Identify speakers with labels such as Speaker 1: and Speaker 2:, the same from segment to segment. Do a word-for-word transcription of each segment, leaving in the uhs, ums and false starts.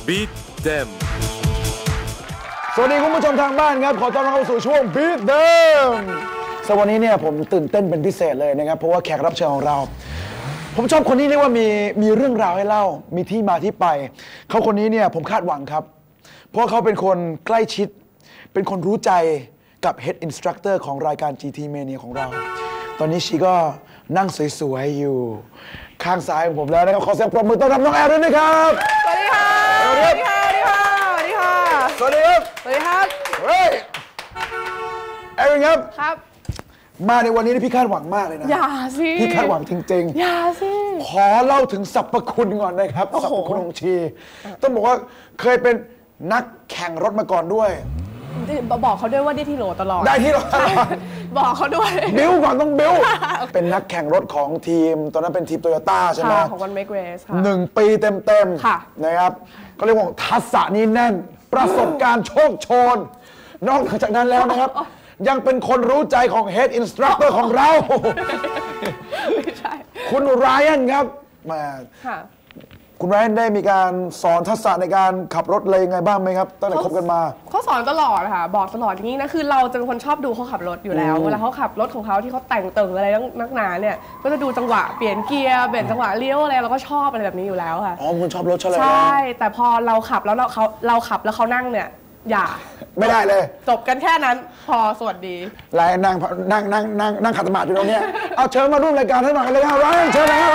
Speaker 1: Beat Them
Speaker 2: สวัสดีคุณผู้ชมทางบ้านครับขอต้อนรับเข้าสู่ช่วง Beat Them สวันนี้เนี่ยผมตื่นเต้นเป็นพิเศษเลยนะครับเพราะว่าแขกรับเชิญของเราผมชอบคนนี้เรียกว่ามีมีเรื่องราวให้เล่ามีที่มาที่ไปเขาคนนี้เนี่ยผมคาดหวังครับเพราะเขาเป็นคนใกล้ชิดเป็นคนรู้ใจกับ Head Instructor ของรายการ จี ที Mania ของเราตอนนี้ชีก็นั่งสวยๆอยู่ข้างซ้ายของผมแล้วนะครับขอเสียงปรบมือต้อนรับน้องแอร์ด้วยนะครับ
Speaker 3: สวัสดีค่ะสวัสดีค่ะสวัสดีค่ะสวัสดีค่ะ
Speaker 2: สวัสดีครับ
Speaker 3: สวัสดีครับ
Speaker 2: เฮ้ยแอร์ครับ
Speaker 3: ครับ
Speaker 2: มาในวันนี้พี่คาดหวังมากเลยนะ
Speaker 3: อย่าสิ
Speaker 2: พี่คาดหวังจริงๆ
Speaker 3: อย่าสิ
Speaker 2: ขอเล่าถึงสรรพคุณก่อนนะครับสรรพคุณของชีต้องบอกว่าเคยเป็นนักแข่งรถมาก่อนด้วย
Speaker 3: บอกเขาด้วยว่าได้ที่โหลตลอด
Speaker 2: ได้ที่โหล
Speaker 3: บอกเขาด้วย
Speaker 2: บิ้วก่อนต้องบิ้วเป็นนักแข่งรถของทีมตอนนั้นเป็นทีมโตโยต้าใช่ไหม
Speaker 3: ของวันเมกเรสค่ะ
Speaker 2: หนึ่งปีเต็มๆนะครับก็เรียกว่าทักษะนี้แน่นประสบการณ์โชคโชนนอกจากนั้นแล้วนะครับยังเป็นคนรู้ใจของ Head Instructor ของเรา
Speaker 3: ไม่ใช่
Speaker 2: คุณไรอันครับมาคุณไรอันได้มีการสอนทักษะในการขับรถเลยยังไงบ้างไหมครับตั้งแต่คบกันมา
Speaker 3: เขาสอนตลอดค่ะบอกตลอดอย่างนี้นะคือเราจะเป็นคนชอบดูเขาขับรถอยู่แล้วเวลาเขาขับรถของเขาที่เขาแต่งเติ่งอะไรนักหนาเนี่ยก็จะดูจังหวะเปลี่ยนเกียร์เปลี่ยนจังหวะเลี้ยวอะไรเราก็ชอบอะไรแบบนี้อยู่แล้วค่ะ
Speaker 2: อ๋อคุณชอบรถใช่ไหม
Speaker 3: ใช่แต่พอเราขับแล้วเราเขาเราขับแล้วเขานั่งเนี่ยอย่า
Speaker 2: ไม่ได้เลย
Speaker 3: จบกันแค่นั้นพอสวัสดี
Speaker 2: ไรนั่งนั่งนั่งนั่งนั่งขัดสมาธิอยู่ตรงนี้เอาเชิญมาร่วมรายการให้หน่อยกันเลยครับไรเชิญเลย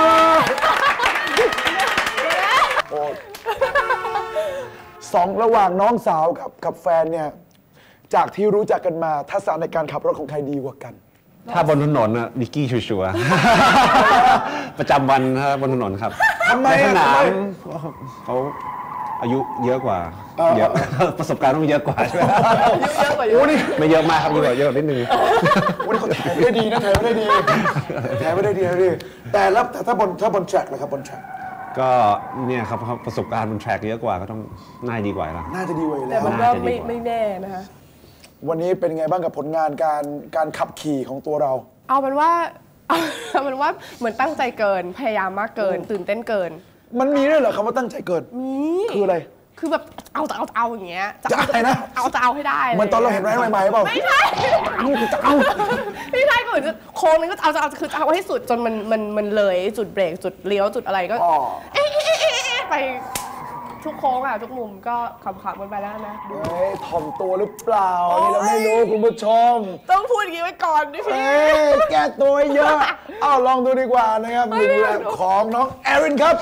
Speaker 2: สองระหว่างน้องสาวกับกับแฟนเนี่ยจากที่รู้จักกันมาทักษะในการขับรถของใครดีกว่ากัน
Speaker 4: ถ้าบนถนนน่ะนิกกี้ชัวร์ประจำวันถ้าบนถนนครับ
Speaker 2: ทำไม
Speaker 4: สนามเขาอายุเยอะกว่าเยอะประสบการณ์ต้องเยอะกว่าใช่ไหม
Speaker 3: เยอะกว่าเย
Speaker 2: อะ
Speaker 4: ไม่เยอะมากครับเยอะเยอะนิดนึง
Speaker 2: โอ้นี่เขาแถมได้ดีนะแถมได้ดีแถมได้ดีนะดิแต่แล้วแต่ถ้าบนถ้าบนแทร็กนะครับบนแทร็ก
Speaker 4: ก็เนี่ยครับประสบการณ์บนแทร็กเยอะกว่าก็ต้องน่าดีกว่าแล้ว
Speaker 2: น่าจะดีกว่าอยู่แล้ว
Speaker 3: แต่มันก็ไม่ไม่แน่นะคะ
Speaker 2: วันนี้เป็นไงบ้างกับผลงานการการขับขี่ของตัวเรา
Speaker 3: เอาเป็นว่าเอาเป็นว่าเหมือนตั้งใจเกินพยายามมากเกินตื่นเต้นเกิน
Speaker 2: มันมีด้วยเหรอคำว่าตั้งใจเกิน
Speaker 3: มี
Speaker 2: คืออะไร
Speaker 3: คือแบบเอาจะเอาจะเอาอย่างเงี้ย
Speaker 2: จะอะไรนะ
Speaker 3: เอาจะเอาให้ได้
Speaker 2: มันตอนเราเห็นไรใหม่ๆเปล่า
Speaker 3: ไม่ใช่
Speaker 2: เอาจะเอา
Speaker 3: ไม่ใช่ก็เหมือนโค้งนึงก็เอาจะเอาคือเอาให้สุดจนมันมันมันเลยจุดเบรกจุดเลี้ยวจุดอะไรก็เอ๊ะไปทุกโค้งอะทุกมุมก็ขำๆกันไปแล้วนะ
Speaker 2: เฮ้ยถ่อมตัวหรือเปล่านี่เราไม่รู้คุณผู้ชม
Speaker 3: ต้องพูดอย่างนี้ไว้ก่อนดิพี่
Speaker 2: แก้ตัวเยอะอ้าวลองดูดีกว่านะครับหนึ่งแรกของน้องแอรินครับ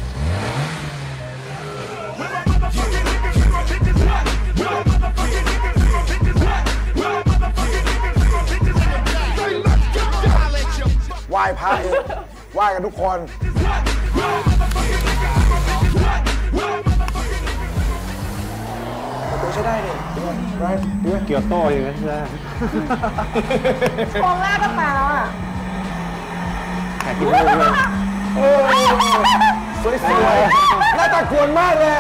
Speaker 2: ไหว้พระเองไหว้กันทุกคนตัวใช้ได้เนี่ยไร
Speaker 4: เกียวโต้ยังไงใช่ไหม
Speaker 3: โค้งแรกก็มาแล้วอ่ะ
Speaker 4: แข่งกินเลย
Speaker 2: สวยๆหน้าตากวนมากเลย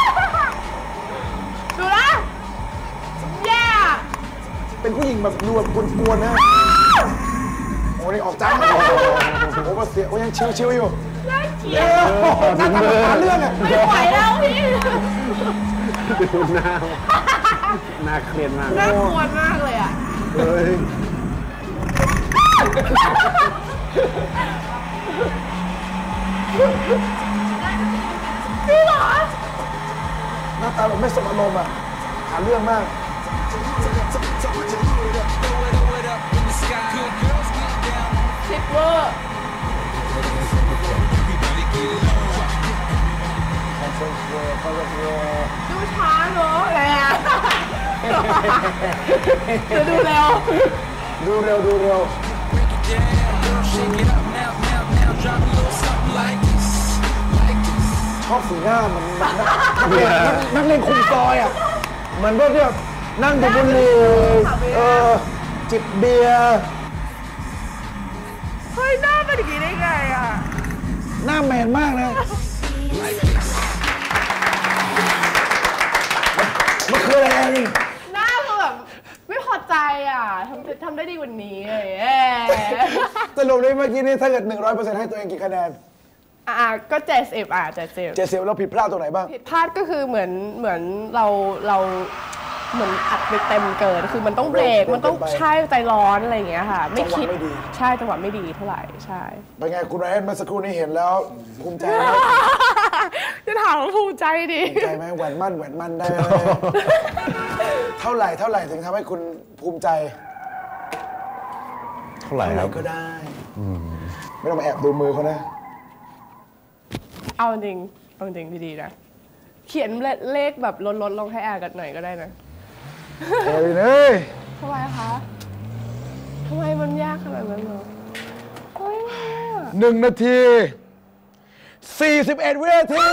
Speaker 3: ดูนะแย่
Speaker 2: เป็นผู้หญิงแบบดูแบบกวนๆนะโอ้นี่ออกจ้าโอ้โหมาเสียโอ้ยังชิวๆอยู่
Speaker 3: น่าเกลียด
Speaker 2: นั่งตามเรื่องอ่ะ
Speaker 3: ไม่ไหวแล้วพี่
Speaker 4: ดูหน้าหน้าเครียดมาก
Speaker 3: น่ากลัวมากเลยอ่ะ
Speaker 4: เฮ้ย
Speaker 3: พี่หรอ
Speaker 2: หน้าตาแบบไม่สมอารมณ์อ่ะหาเรื่องมาก
Speaker 3: คลิปเวอร์ดูช้าเนอะอะไรอ่ะดูเร็ว
Speaker 2: ดูเร็วดูเร็วชอบสีหน้ามันนักเล่นคุมซอยอ่ะเหมือนพวกที่แบบนั่งดูบุหรี่เออจิบเบียร์
Speaker 3: เฮ้ยหน้าเป็นอย่างนี้ได้ไงอ่ะ
Speaker 2: หน้าแมนมากนะมันคืออะไรนี่
Speaker 3: หน้าคือแบบไม่พอใจอ่ะทำทำได้ดีกว่านี้เลย
Speaker 2: สรุปเลยเมื่อกี้นี้ถ้าเกิด หนึ่งร้อยเปอร์เซ็นต์ ให้ตัวเองกี่คะแนน
Speaker 3: อ่าก็เจ็ดสิบอ่ะเจ็ดสิบ
Speaker 2: เจเซลเราผิดพลาดตรงไหนบ้าง
Speaker 3: ผิดพลาดก็คือเหมือนเหมือนเราเราเหมือนอัดไปเต็มเกินคือมันต้องเบรกมันต้องใช่ใจร้อนอะไรอย่างเงี้ยค่ะไม่คิดใช่จังหวะไม่ดีเท่าไหร่ใช่
Speaker 2: เป็นไงคุณไรอันเมื่อสักครู่นี้เห็นแล้วภูมิใจไหม
Speaker 3: จะถามว่าภูมิใจดิ
Speaker 2: ภูมิใจไหมแหวนมั่นแหวนมั่นได้ เท่าไหร่เท่าไหร่ถึงทำให้คุณภูมิใจ
Speaker 4: เท่าไหร่ครับ
Speaker 2: ก็ได้ไม่ต้องมาแอบดูมือเขานะ
Speaker 3: เอาจริงเอาจริงดีๆนะเขียนเลขแบบลดๆลงให้แอร์กันหน่อยก็ได้นะ
Speaker 2: เฮ้ยเนย
Speaker 3: ทำไมคะทำไมมันยากขนาดนั้นเหรอเฮ้ย
Speaker 2: หนึ่งนาทีสี่สิบเอ็ดวินาที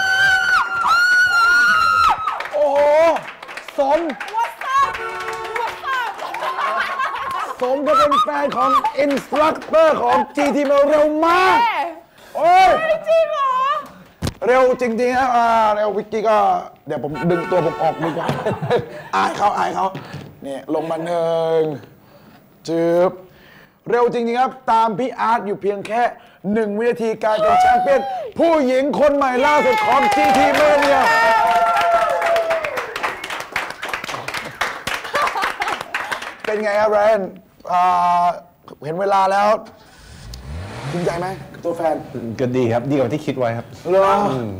Speaker 2: โอ้โหสม
Speaker 3: What's up What's up
Speaker 2: สมก็เป็นแฟนของอินสตรัคเตอร์ของ จี ที มาเร็วมากโอ้ย
Speaker 3: จริงเหรอ
Speaker 2: เร็วจริงๆนะอ่าเร็ววิกกี้ก็เดี๋ยวผมดึงตัวผมออกดีกว่า อายเขาอายเขาเนี่ยลงมาหนึ่งจืบเร็วจริงๆครับ ตามพี่อาร์ตอยู่เพียงแค่หนึ่งวินาทีการเป็นแชมเปี้ยนผู้หญิงคนใหม่ล่าสุดของ จี ที Mania เป็นไงครับแรนอ่าเห็นเวลาแล้วภูมิใจไหมกับตัวแฟน
Speaker 4: ก็ดีครับดีกว่าที่คิดไว้ครับ
Speaker 2: เหรอ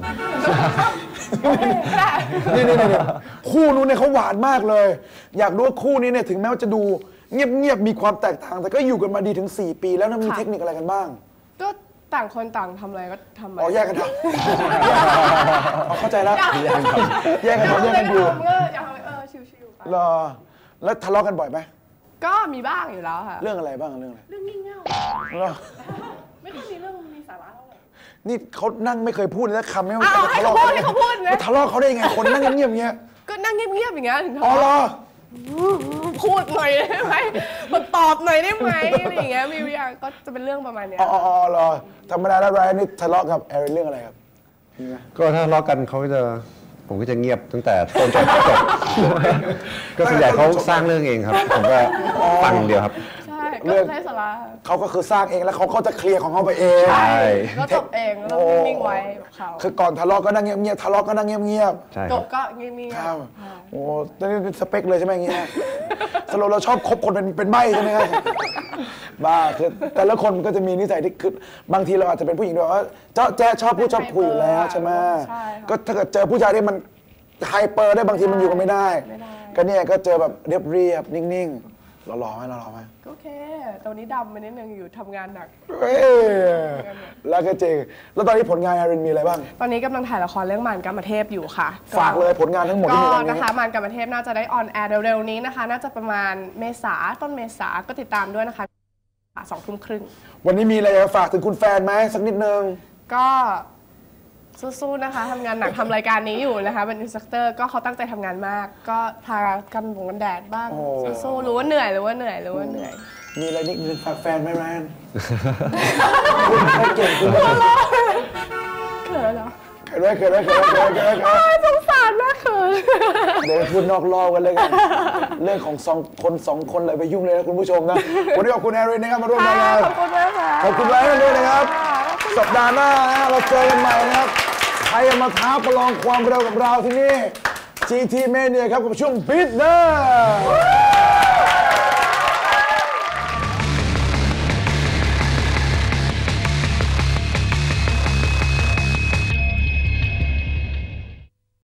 Speaker 2: นี่นี่นี่คู่นู้นเนี่ยเขาหวานมากเลย อยากรู้ว่าคู่นี้เนี่ยถึงแม้ว่าจะดูเงียบๆมีความแตกต่างแต่ก็อยู่กันมาดีถึงสี่ปีแล้วนะมีเทคนิคอะไรกันบ้าง
Speaker 3: ก็ต่างคนต่างทำอะไรก็ทำไป
Speaker 2: อ๋อแยกกันทำอ๋อเข้าใจแล้วแยกกันทำแยกกันทำแยกกันอยู่
Speaker 3: ก็อยากทำเออชิวๆไป
Speaker 2: เหรอแล้วทะเลาะกันบ่อยไหม
Speaker 3: ก็มีบ้างอยู่แล้วค่ะ
Speaker 2: เรื่องอะไรบ้างเรื่องอะไร
Speaker 3: เรื่องงี่เง่า
Speaker 2: เหรอ
Speaker 3: ไม่ค่อยมีเรื่องมีสาระเท่าไหร่
Speaker 2: นี่เขานั่งไม่เคยพูดเลยนะคำไม่ว่า
Speaker 3: อ้าวให้เขาพูดให้เขาพูดนะ
Speaker 2: ทะเลาะเขาได้ยังไงคนนั่งเงียบๆอย่างเงี้ย
Speaker 3: ก็นั่งเงียบๆอย่างเงี้ยถึง
Speaker 2: อ๋อเหรอ
Speaker 3: พูดหน่อยได้ไหมแบบตอบหน่อยได้ไหมอะไรอย่างเงี้ยมีวิอาก็จะเป็นเรื่องประมาณเนี้ย
Speaker 2: อ๋ออ๋อเหรอธรรมดาแล้วไรอันนี่ทะเลาะกับแอรินเรื่องอะไรครับมีไหม
Speaker 4: ก็ถ้าทะเลาะกันเขาก็จะผมก็จะเงียบตั้งแต่ต้นจนจบ ก็ส่วนใหญ่เขาสร้างเรื่องเองครับ ผมก็ฟังอย่างเดียวครับ
Speaker 3: ใช่ก็ใช้สาระ
Speaker 2: เขาก็คือสร้างเองแล้วเขาก็จะเคลียร์ของเขาไปเอง
Speaker 4: ใช่
Speaker 3: ก็จบเองแล้วนิ่งๆไว้กับเขา
Speaker 2: คือก่อนทะเลาะก็นั่งเงียบๆทะเลาะก็นั่งเงียบ
Speaker 4: ใช่
Speaker 3: จ
Speaker 4: ครับ บ
Speaker 3: ก็เงียบ
Speaker 2: ๆ
Speaker 3: ๆ
Speaker 2: ครับโอ้นี่สเปคเลยใช่ไหมอย่างเงี้ยสรุปเราชอบคบคนเป็นเป็นใบ้ใช่ไหมครับบ้าคือแต่ละคนก็จะมีนิสัยที่คือบางทีเราอาจจะเป็นผู้หญิงด้วยว่าเจ้าแจ๊ชอบพูดชอบคุยอยู่แล้วใช่ไหมก็ถ้าเกิดเจอผู้ชายที่มันไฮเปอร์ได้บางทีมันอยู่กันไม่ได้ ก็เนี่ยก็เจอแบบเรียบเรียบๆนิ่งๆหล่อๆไหมหล่อๆไหม
Speaker 3: โอเคตอนนี้ดำไปนิดนึงอยู่ทำงานหนัก
Speaker 2: เอ้ยแล้วก็จริงแล้วตอนนี้ผลงานอารินมีอะไรบ้าง
Speaker 3: ตอนนี้กำลังถ่ายละครเรื่องมารกามเทพอยู่ค่ะ
Speaker 2: ฝากเลยผลงานทั้งหมดที่
Speaker 3: ก็
Speaker 2: มีตอนนี้
Speaker 3: นะคะมารกามเทพน่าจะได้ออนแอร์เร็วๆนี้นะคะ น่าจะประมาณเมษาต้นเมษาก็ติดตามด้วยนะคะสองทุ่มครึ่ง
Speaker 2: วันนี้มีอะไรจะฝากถึงคุณแฟนไหมสักนิดนึง
Speaker 3: ก็สู้ๆนะคะทำงานหนักทำรายการนี้อยู่นะคะเป็นอินสตรัคเตอร์ก็เขาตั้งใจทำงานมาก ก็ทากันบงกันแดดบ้าง
Speaker 2: โอ้
Speaker 3: สู้ๆรู้ว่าเหนื่อยรู้ว่าเหนื่อยรู้ว่าเหนื่อย
Speaker 2: มีอะไรนิดนึงฝากแฟนไหมแรนคุณเขาเก่งคุณไม่
Speaker 3: เขินเหรอ
Speaker 2: เกิดอะไรเกิดอะไรเกิดอะไรเกิดอะไรเกิดอะไร
Speaker 3: สงสารมากเขิน
Speaker 2: เดี๋ยวพูดนอกรอบกันเลยกันเรื่องของสองคนสองคนเลยไปยุ่งเลยนะคุณผู้ชมนะวันนี้ขอบคุณแอรินนะครับมาร่วมรายการ
Speaker 3: ขอบคุณมากค่ะ
Speaker 2: ขอบคุณแรนด้วยนะครับ สัปดาห์หน้านะเราเจอกันใหม่นะครับใครจะมาท้าประลองความเร็วกับเราที่นี่ จี ที Mania ครับกับช่วง Beat Them